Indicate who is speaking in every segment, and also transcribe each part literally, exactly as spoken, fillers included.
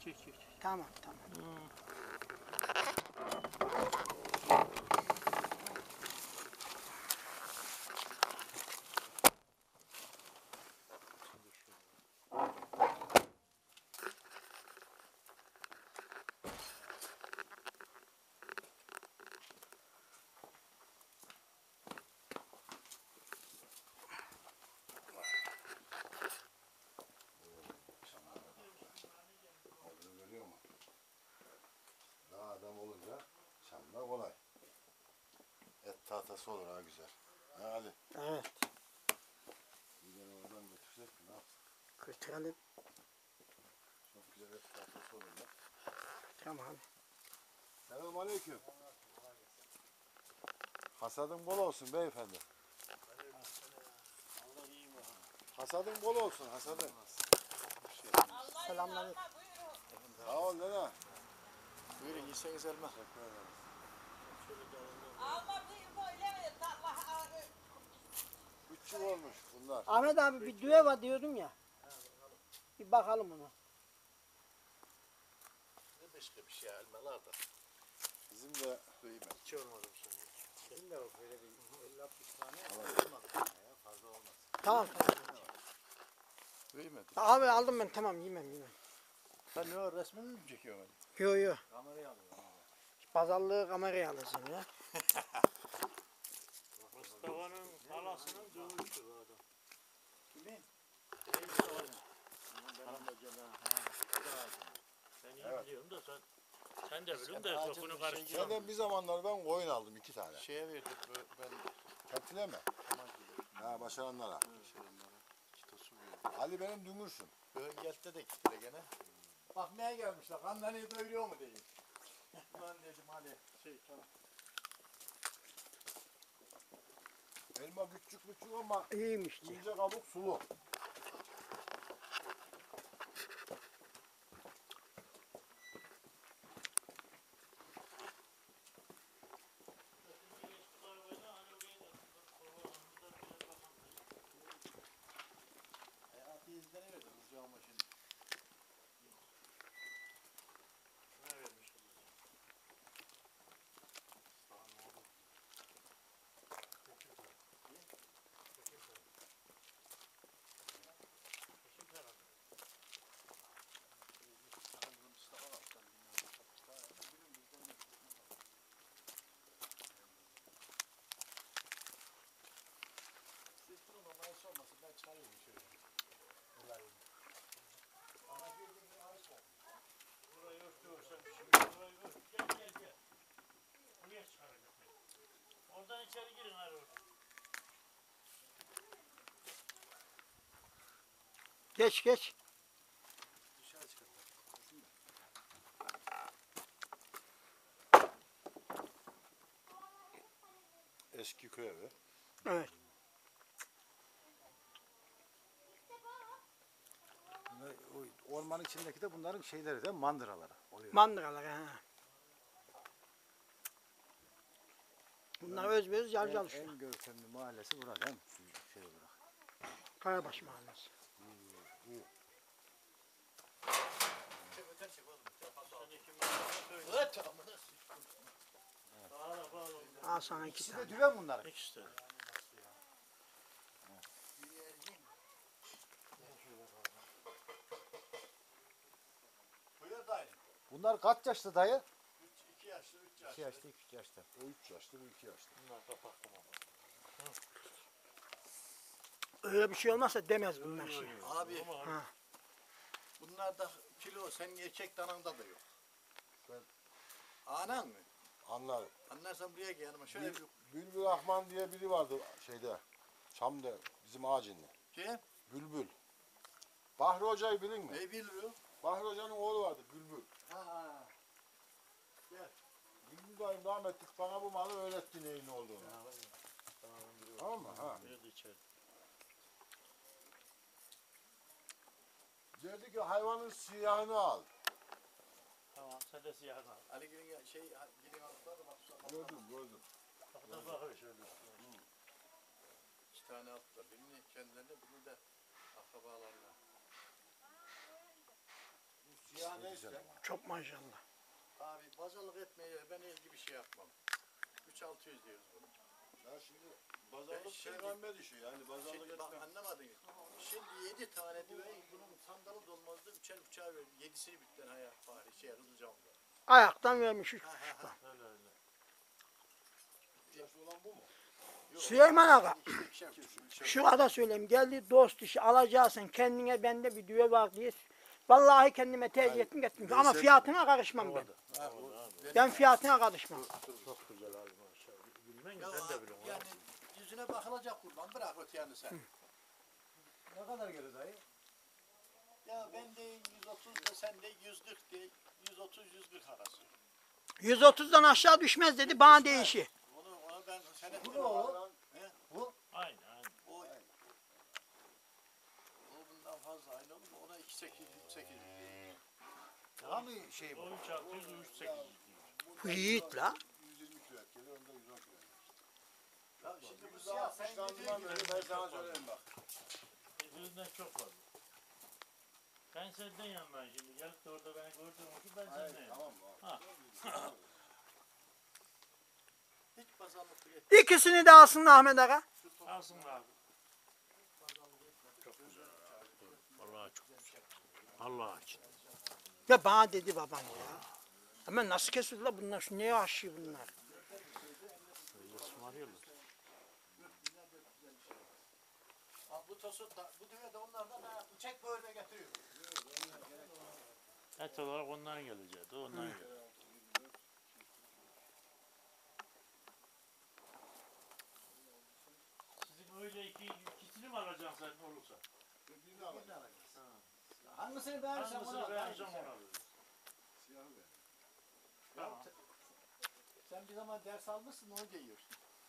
Speaker 1: çek çek.
Speaker 2: Tamam tamam.
Speaker 1: Hmm.
Speaker 3: Olunca çamda kolay. Et tahtası olur ha güzel. Ha Ali.
Speaker 2: Evet.
Speaker 3: Bir de oradan götürsek mi ne yapsın?
Speaker 2: Götürelim.
Speaker 3: Çok güzel et tahtası olur ya.
Speaker 2: Tamam.
Speaker 3: Selamun aleyküm. Hasadın bol olsun beyefendi. Hasadın bol olsun hasadın.
Speaker 2: Selamünaleyküm.
Speaker 3: Sağ ol nene.
Speaker 4: Buyurun yeseniz elma.
Speaker 3: Teşekkür ederim.
Speaker 5: Alma buyur böyle Allah
Speaker 3: Üç yıl olmuş bunlar.
Speaker 2: Ahmet abi bir düve var diyordum ya. Bir bakalım ona.
Speaker 4: Ne başka bir şey elmalar da.
Speaker 3: Bizim de
Speaker 4: Duyayım hiç olmadım şimdi.
Speaker 3: Bizim de böyle bir elli altmış tane
Speaker 4: Olmadı ya fazla olmaz.
Speaker 2: Tamam tamam.
Speaker 4: Duymadım.
Speaker 2: Abi aldım ben tamam yemem yemem.
Speaker 4: Sen ne o resmini mi çekiyorsun?
Speaker 2: Yo yo.
Speaker 4: Kamerayı alıyor.
Speaker 2: Pazarlığı kameraya alırsın ya.
Speaker 1: Mustafa'nın halasının dövüştü bu adam.
Speaker 4: Kimin?
Speaker 1: Ben iyi
Speaker 3: Evet.
Speaker 1: biliyorum da sen sen de biliyorsun
Speaker 4: Sen
Speaker 1: da
Speaker 4: acil
Speaker 1: sokunu
Speaker 4: bir şey
Speaker 1: karıştıramıyorsun.
Speaker 3: Senden bir zamanlar ben koyun aldım iki tane.
Speaker 4: Şeye verdik ben
Speaker 3: Kentine mi?
Speaker 4: tamam gibi.
Speaker 3: Ha başaranlara.
Speaker 4: Şey onlara. Kitosu verdik.
Speaker 3: Ali benim dümürsün.
Speaker 4: Bölgette de gittiler gene. Bakmaya gelmişler. Kanları doyuruyor mu diyeyim. Ulan dedim hadi. Şey tamam.
Speaker 3: Elma küçük küçük ama
Speaker 2: İyiymiş.
Speaker 3: ince kabuk sulu.
Speaker 4: Hayatı izleniyordu kızcağıma şimdi.
Speaker 1: Ne vermiş?
Speaker 4: Siz durun ama iş olmasın ben çıkarıyorum şöyle. Burayı. Ama bir gün ağaç var.
Speaker 1: Burayı örtüyorsan şimdi burayı ört. Gel gel gel. Buraya çıkaracak beni. Oradan içeri girin hadi oradan.
Speaker 2: Geç geç.
Speaker 4: Dışarı çıkartlar.
Speaker 3: Eski köy evi.
Speaker 2: Evet.
Speaker 6: Bunlar, o ormanın içindeki de bunların şeyleri de mandıraları oluyor.
Speaker 2: Mandıralar ha. Bunlar özbeöz
Speaker 6: en,
Speaker 2: yer çalışıyor.
Speaker 6: en görkemli mahallesi burada değil mi? Şu Şey olarak.
Speaker 2: Kayabaş Mahallesi.
Speaker 4: Çek öter çek oğlum.
Speaker 1: Sen iki metre böyle.
Speaker 4: Evet amına.
Speaker 1: Bağla bağla.
Speaker 2: Al sana iki
Speaker 6: İkisi
Speaker 2: tane.
Speaker 6: de düve mi bunların?
Speaker 1: İkisi de.
Speaker 4: Buyur dayı.
Speaker 6: Bunlar kaç yaşlı dayı?
Speaker 4: Üç, iki yaşlı, üç
Speaker 6: iki
Speaker 4: yaşlı.
Speaker 6: yaşlı, üç yaşlı.
Speaker 3: O üç yaşlı, bu iki yaşlı.
Speaker 1: Bunlar kapaklı mı?
Speaker 2: Öyle bir şey olmazsa demez bunlar şey.
Speaker 4: Abi
Speaker 2: Ha.
Speaker 4: bunlarda kilo senin erkek dananda da yok.
Speaker 3: Ben-
Speaker 4: Anan mı?
Speaker 3: Anlarım.
Speaker 4: Anlarsan buraya gel yanıma şöyle bir
Speaker 3: Bülbül Rahman diye biri vardı şeyde. Çam'da bizim ağacında.
Speaker 4: şey.
Speaker 3: Bülbül. Bahri Hoca'yı bilin mi?
Speaker 4: Ne biliyor?
Speaker 3: Bahri Hoca'nın oğlu vardı Bülbül.
Speaker 4: Ha ha. Gel.
Speaker 3: Bülbül dayım rahmetlik bana bu malı öğretti neyin olduğunu. Tamam mı? Ha.
Speaker 1: Nerede içeri?
Speaker 3: Dedi ki hayvanın siyahını al.
Speaker 1: Tamam sen de siyahını al.
Speaker 4: Ali Gül'ün ya- şey gidin aldılar da bak şu an.
Speaker 3: Gördüm gördüm.
Speaker 1: Kapıda bakıyor şöyle.
Speaker 4: İki tane attılar. Birini kendilerine birini de akrabalarına. İkisi de güzel.
Speaker 2: Çok maşallah.
Speaker 4: Abi pazarlık etmeye ben el gibi şey yapmam. üç altı yüz diyoruz bunu.
Speaker 3: Ya şimdi pazarlık
Speaker 4: Şimdi-
Speaker 3: peygamber işi yani pazarlık
Speaker 4: Şimdi bak
Speaker 3: etmem.
Speaker 4: anlamadın. Şimdi yedi tane düveyi bunun sandalı dolmazdı. Üçer buçağı verdim. Yedisini bitten hayat fahri şey Hızlıcam'da.
Speaker 2: Ayaktan vermiş üç
Speaker 4: Ha, ha,
Speaker 2: buçuktan.
Speaker 1: Öyle öyle.
Speaker 3: Yaş olan bu mu?
Speaker 2: Süleyman Aga,
Speaker 4: İkişer, ikişer, ikişer.
Speaker 2: şu kadar söyleyeyim. Geldi dost işi alacaksın. Kendine bende bir düve var diye. Vallahi kendime tercih ettim gittim. Ama fiyatına karışmam ben.
Speaker 4: Ha, o- benim-
Speaker 2: Ben fiyatına karışmam.
Speaker 1: Çok güzel abi maşallah. Bilmen
Speaker 4: Ya,
Speaker 1: sen de biliyorsun.
Speaker 4: yani yüzüne bakılacak kurban bırak öte yanı sen.
Speaker 6: Ne kadar gelir dayı?
Speaker 4: Ya ben de yüz otuz da sen de yüz kırk de yüz otuz yüz kırk arası.
Speaker 2: yüz otuzdan aşağı düşmez dedi. Bana değişi.
Speaker 4: Onu ona ben senet
Speaker 6: Bu ne oğlum?
Speaker 1: Aynen aynen.
Speaker 4: o o bundan fazla aynı olur mu? Ona iki sekiz üç sekiz.
Speaker 6: Daha mı şey bu?
Speaker 1: O üç altı yüz, üç sekiz yüz.
Speaker 2: Bu yiğit la.
Speaker 3: yüz yirmi kilo et gelir onda yüz on kilo.
Speaker 4: Ya şimdi bu
Speaker 3: Biz
Speaker 4: siyah
Speaker 3: daha
Speaker 4: sen
Speaker 3: sen
Speaker 4: dediğin gibi.
Speaker 3: ben sana söyleyeyim bak.
Speaker 1: Birbirinden çok fazla. Ben senden yandan şimdi gelip de orada beni gördüğün için ben
Speaker 3: Hayır,
Speaker 1: senden yandan.
Speaker 3: tamam mı?
Speaker 1: Ha.
Speaker 4: Hiç pazarlık et.
Speaker 2: İkisini de alsın Ahmet Aga.
Speaker 1: Alsın abi. Çok güzel abi. Vallahi çok güzel. Allah için.
Speaker 2: Ya bana dedi babam ya. Ama nasıl kesiyor la bunlar? Şu neye aşıyor bunlar?
Speaker 1: Öyle ısmarıyorlar.
Speaker 4: Bak bu tosu da bu düve de onlardan ha bıçak böğürme getiriyor.
Speaker 1: Et olarak ondan gelecek. Ondan gelecek. Sizin öyle iki, ikisini mi alacaksın sen olursa?
Speaker 3: Birini alacağım.
Speaker 6: Hangisini beğenirsen onu
Speaker 1: Hangisini
Speaker 6: al.
Speaker 1: beğeneceğim onu alırız.
Speaker 3: Siyahı ver.
Speaker 1: Tamam.
Speaker 4: Sen bir zaman ders almışsın onu giyiyorsun.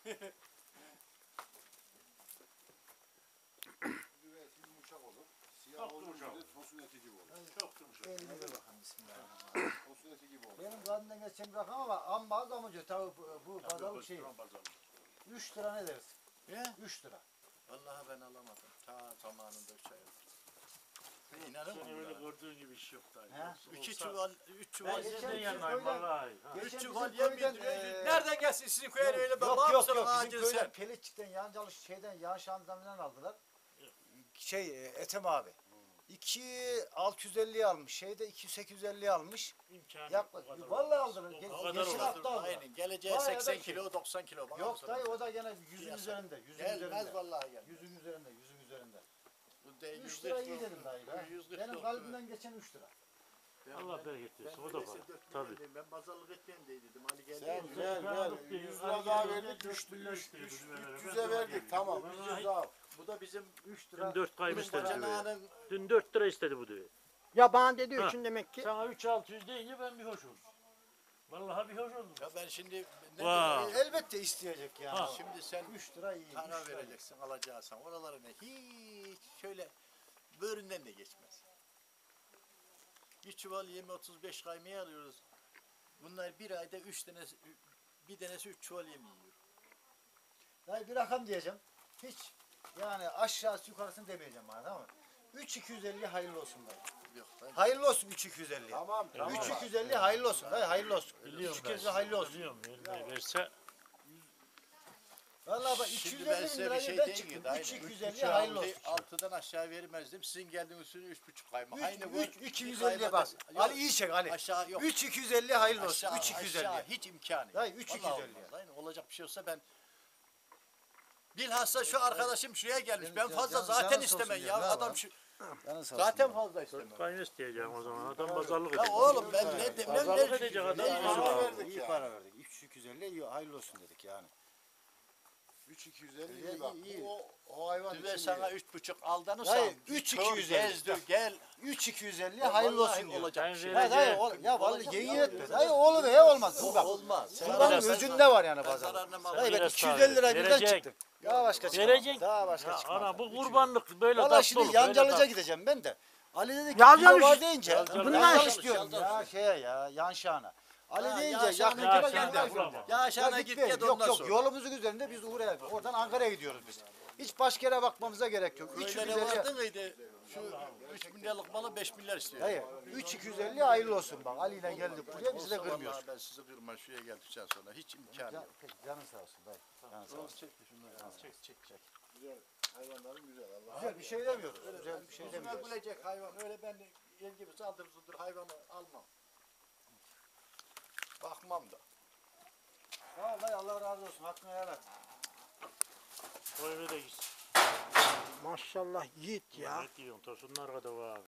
Speaker 3: Düve eti yumuşak olur. Siyah
Speaker 1: Çok
Speaker 3: olur
Speaker 1: yumuşak.
Speaker 3: bir de tosun eti gibi olur.
Speaker 1: Çok yumuşak.
Speaker 6: Elini ver bakalım bismillahirrahmanirrahim.
Speaker 3: Tosun eti gibi olur.
Speaker 6: Benim kadından geçen bir rakam ama amma az amca tabi bu, bu pazarlık şey. üç lira ne deriz?
Speaker 4: He?
Speaker 6: üç lira.
Speaker 4: Vallahi ben alamadım. Ta zamanında üç ay oldu. İnanır
Speaker 1: Seni öyle
Speaker 4: mısın?
Speaker 1: gördüğün gibi iş yok da.
Speaker 6: He?
Speaker 4: Üç çuval, üç
Speaker 1: Ben
Speaker 4: çuval.
Speaker 6: geçen
Speaker 1: senden
Speaker 6: bizim
Speaker 1: yanayım
Speaker 6: köyden-
Speaker 1: vallahi. Ha.
Speaker 6: Geçen
Speaker 4: Üç
Speaker 6: bizim
Speaker 4: çuval yem
Speaker 6: köyden,
Speaker 4: bildiriyor.
Speaker 6: eee,
Speaker 4: Nereden gelsin sizin köye öyle ben
Speaker 6: Yok
Speaker 4: var
Speaker 6: yok
Speaker 4: mısın
Speaker 6: yok
Speaker 4: ağacın
Speaker 6: bizim köyden
Speaker 4: sen?
Speaker 6: Pelitçik'ten Yancalı şeyden Yan Şanzıman'dan aldılar. Şey e, Ethem abi. iki altı yüz elliye almış. Şeyde iki sekiz yüz elliye almış.
Speaker 1: İmkanı
Speaker 6: Yaklaşık.
Speaker 1: o kadar
Speaker 6: Vallahi
Speaker 1: olmaz.
Speaker 6: aldılar.
Speaker 1: O-
Speaker 6: Ge-
Speaker 1: O kadar
Speaker 6: geçen
Speaker 1: olmaz.
Speaker 6: hafta aldılar.
Speaker 4: Aynen. Geleceğe
Speaker 6: Bayağı da
Speaker 4: seksen
Speaker 6: şey.
Speaker 4: kilo, doksan kilo. Bakar
Speaker 6: Yok
Speaker 4: mısın?
Speaker 6: dayı o da gene yüzün
Speaker 4: Piyasa.
Speaker 6: üzerinde. Yüzün
Speaker 4: Gelmez
Speaker 6: üzerinde.
Speaker 4: vallahi gelmez.
Speaker 6: Yüzün üzerinde. Yüzün üzerinde.
Speaker 4: Bu de-
Speaker 6: üç
Speaker 4: yüz
Speaker 6: lira
Speaker 4: kırk
Speaker 6: iyi
Speaker 4: yok.
Speaker 6: dedim dayı da.
Speaker 4: yüz kırk
Speaker 6: Benim
Speaker 4: yok,
Speaker 6: kalbimden geçen üç lira.
Speaker 4: Ben-
Speaker 1: Allah
Speaker 4: ben-
Speaker 1: bereket
Speaker 4: Ben
Speaker 1: versin. O da
Speaker 4: öyleyse
Speaker 1: var.
Speaker 4: dört
Speaker 1: Tabii.
Speaker 4: milyon Ben pazarlık etmeyeyim diye dedim. Ali geldi.
Speaker 3: Sen
Speaker 4: dedi.
Speaker 3: ver ver. yüz lira daha verdik. Üç yüze verdik. Tamam. üç yüz daha.
Speaker 4: Bu da bizim
Speaker 6: üç
Speaker 1: Dün
Speaker 6: lira.
Speaker 1: dört kaymış
Speaker 4: bunun
Speaker 1: istedi düveyi.
Speaker 4: bacanağının
Speaker 1: Dün dört lira istedi bu düveyi.
Speaker 2: Ya bana dedi
Speaker 1: Ha.
Speaker 2: üçün demek ki.
Speaker 1: Sana üç altı yüz deyince ben bir hoş oldum. Vallahi bir hoş oldum.
Speaker 4: ya ben şimdi ne
Speaker 1: Vay.
Speaker 4: diyeyim?
Speaker 6: Elbette isteyecek yani.
Speaker 1: Ha.
Speaker 4: Şimdi sen
Speaker 6: üç lira iyi.
Speaker 4: para
Speaker 6: üç lira iyi.
Speaker 4: vereceksin, alacaksın. Oralarına hiç şöyle böğründen de geçmez. Bir çuval yemi otuz beş kaymaya alıyoruz. Bunlar bir ayda üç tanesi, bir tanesi üç çuval yem yiyor.
Speaker 6: Dayı bir rakam diyeceğim. Hiç yani aşağısı yukarısını demeyeceğim bana tamam mı? üç iki yüz elli hayırlı olsun dayı.
Speaker 4: Yok ben
Speaker 6: Hayırlı olsun üç iki yüz elli.
Speaker 3: Tamam. Tamam.
Speaker 6: üç iki yüz elli hayırlı olsun. Dayı hayırlı olsun.
Speaker 1: Biliyorum
Speaker 6: üç
Speaker 1: ben.
Speaker 6: iki yüz elli hayırlı olsun.
Speaker 1: Biliyorum. Vermeyi verse
Speaker 6: Vallahi bak
Speaker 4: Şimdi ben
Speaker 6: iki yüz elli bin
Speaker 4: size bir
Speaker 6: lirayı
Speaker 4: şey
Speaker 6: ben
Speaker 4: diyeyim
Speaker 6: çıktım.
Speaker 4: ki, aynen.
Speaker 6: üç iki yüz
Speaker 4: Üç
Speaker 6: elli
Speaker 4: buçuk
Speaker 6: hayırlı
Speaker 4: aldı,
Speaker 6: olsun.
Speaker 4: Altıdan aşağı vermezdim. Sizin geldiğiniz üstüne üç buçuk kayma. Aynı bu.
Speaker 6: üç iki yüz elliye bak.
Speaker 4: Yok,
Speaker 6: Ali iyi çek Ali.
Speaker 4: Aşağı yok.
Speaker 6: üç iki yüz elli hayırlı olsun.
Speaker 4: Aşağı,
Speaker 6: üç iki yüz
Speaker 4: aşağı
Speaker 6: elli.
Speaker 4: hiç imkanı yok.
Speaker 6: Dayı, üç iki yüz
Speaker 4: Vallahi
Speaker 6: elli.
Speaker 4: olmaz. Aynen, olacak bir şey olsa ben bilhassa şu arkadaşım şuraya gelmiş. Ben fazla
Speaker 6: Canın-
Speaker 4: zaten
Speaker 6: canın
Speaker 4: istemem
Speaker 6: olsun
Speaker 4: ya.
Speaker 6: diyor, ne
Speaker 4: Adam
Speaker 6: var?
Speaker 4: şu
Speaker 6: Canın sağ olsun
Speaker 4: zaten
Speaker 6: ya.
Speaker 4: fazla istemem.
Speaker 1: kaymış diyeceğim o zaman. Adam pazarlık
Speaker 4: Ya
Speaker 1: edecek.
Speaker 4: oğlum ben ne demem
Speaker 1: Pazarlık
Speaker 4: ne
Speaker 1: edecek adam.
Speaker 6: İyi
Speaker 4: Ne-
Speaker 6: para
Speaker 3: Para
Speaker 6: verdik
Speaker 3: verdik
Speaker 6: İyi
Speaker 3: ya.
Speaker 6: para verdik. üç iki yüz elli iyi hayırlı olsun dedik yani.
Speaker 3: üç iki yüz elli
Speaker 6: İyi,
Speaker 3: iyi bak.
Speaker 6: iyi.
Speaker 3: O, o hayvan
Speaker 4: Düve
Speaker 3: için
Speaker 4: sana
Speaker 3: iyi.
Speaker 4: üç buçuk aldanırsan.
Speaker 6: Hayır, üç iki yüz elli.
Speaker 4: Gezdir gel.
Speaker 6: üç iki yüz elli
Speaker 4: Ya
Speaker 6: hayırlı
Speaker 4: vallahi
Speaker 6: olsun diyor.
Speaker 4: olacak bir şey.
Speaker 1: Ben
Speaker 6: Ya dayı
Speaker 1: vereceğim.
Speaker 6: ol, ya vallahi
Speaker 4: Olacak
Speaker 6: yemin
Speaker 4: ya.
Speaker 6: etme. Dayı oğlu ve olmaz. Bu bak.
Speaker 4: Olmaz. Sen
Speaker 6: Kurbanın
Speaker 1: biraz-
Speaker 6: özünde var yani
Speaker 4: Ben
Speaker 6: pazarda.
Speaker 4: zararına mal
Speaker 6: Dayı ben
Speaker 1: Biraz
Speaker 6: iki yüz
Speaker 1: daha
Speaker 6: elli lira birden
Speaker 1: verecek.
Speaker 6: çıktım. Daha başka çıkmaz.
Speaker 1: Verecek.
Speaker 6: Daha başka
Speaker 1: Ya
Speaker 6: çıkmaz.
Speaker 1: ana bu
Speaker 6: üç yüz.
Speaker 1: kurbanlık böyle
Speaker 6: Valla
Speaker 1: tatlı
Speaker 6: şimdi
Speaker 1: olur. böyle
Speaker 6: Yancalıca
Speaker 1: tatlı.
Speaker 6: gideceğim ben de. Ali dedi ki
Speaker 2: Yancalı
Speaker 6: kilo var
Speaker 2: iş-
Speaker 6: deyince
Speaker 1: Yancalı-
Speaker 6: bundan
Speaker 2: Yancalı
Speaker 6: istiyorum
Speaker 4: iş,
Speaker 6: ya
Speaker 4: Yancalı.
Speaker 6: şeye ya Yanşan'a. Ali
Speaker 4: Ha,
Speaker 6: deyince
Speaker 4: Yanşan'a
Speaker 6: yakın
Speaker 1: Ya
Speaker 6: kilo
Speaker 1: sen
Speaker 6: geldi
Speaker 1: de
Speaker 6: aklıma.
Speaker 1: bulama.
Speaker 4: Ya aşağına
Speaker 6: Ya
Speaker 4: git
Speaker 6: gitme.
Speaker 4: gel
Speaker 6: Yok
Speaker 4: ondan
Speaker 6: yok
Speaker 4: sonra.
Speaker 6: yolumuzun üzerinde biz oraya oradan Ankara'ya gidiyoruz biz. Hiç başka yere bakmamıza gerek yok.
Speaker 4: Öyle
Speaker 6: üç yüz
Speaker 4: ne
Speaker 6: elli
Speaker 4: vardı mıydı? Şu üç milyarlık malı beş milyar istiyor.
Speaker 6: Dayı üç iki yüz elli hayırlı olsun bak. Ali ile geldik buraya bizi de
Speaker 4: Olsa
Speaker 6: kırmıyoruz.
Speaker 4: vallahi ben sizi kırmam. Şuraya geldikten sonra hiç imkanı
Speaker 6: Can,
Speaker 4: yok.
Speaker 6: peki, canın sağ olsun dayı. Canın sağ olsun.
Speaker 4: Çek şunları. Çek çek çek.
Speaker 3: Güzel. Hayvanların güzel. Allah
Speaker 6: Güzel bir şey demiyoruz. Güzel bir şey
Speaker 4: Yüzüme
Speaker 6: demiyoruz.
Speaker 4: gülecek hayvan. Öyle ben el gibi saldır zuldur hayvanı almam. Bakmam da.
Speaker 6: Sağ ol dayı Allah razı olsun. Hakkını helal et.
Speaker 1: O eve de gitsin.
Speaker 2: Maşallah yiğit ya.
Speaker 1: Ne diyorsun? Tosunlar kadar var abi.